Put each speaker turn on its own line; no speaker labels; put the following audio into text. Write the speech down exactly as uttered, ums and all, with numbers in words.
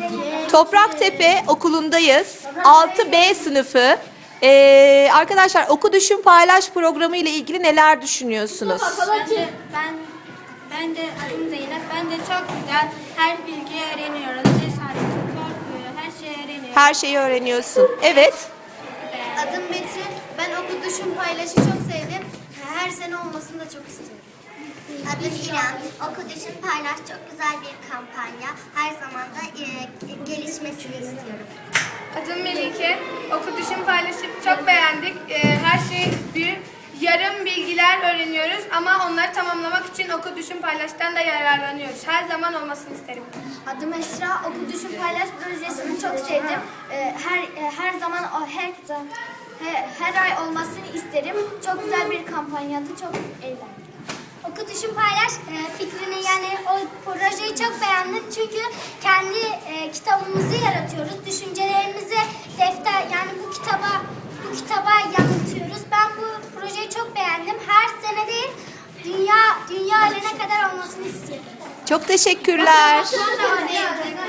Topraktepe okulundayız. altı B sınıfı. Ee, arkadaşlar Oku Düşün Paylaş programı ile ilgili neler düşünüyorsunuz?
Ben de, ben, ben de adım Zeynep. Ben de çok güzel her bilgiyi öğreniyoruz. Cesareti, korkuyu, her şeyi öğreniyoruz.
Her şeyi öğreniyorsun. Evet.
Adım Betül. Ben Oku Düşün Paylaş'ı çok sevdim. Her sene olmasını da çok istiyorum.
Adım İrem. Oku Düşün Paylaş çok güzel bir kampanya. Her zaman da e, gelişmesini istiyorum.
Adım Melike. Oku Düşün Paylaşıp çok beğendik. Ee, her şey büyük. Yarım bilgiler öğreniyoruz ama onları tamamlamak için Oku Düşün Paylaş'tan da yararlanıyoruz. Her zaman olmasını isterim.
Adım Esra. Oku Düşün Paylaş projesini çok sevdim. Ee, Her her zaman o her her, her ay olmasını isterim. Çok güzel bir kampanyadı. Çok eğlendim.
Oku Düşün Paylaş e, fikrini yani o projeyi çok beğendim. Çünkü kendi e, kitabımızı yaratıyoruz. Düşüncelerimizi defter yani bu kitaba bu kitaba yansıtıyoruz. Ben bu projeyi çok beğendim. Her sene değil dünya dünya ölene kadar olmasını istiyorum.
Çok teşekkürler.
Sonra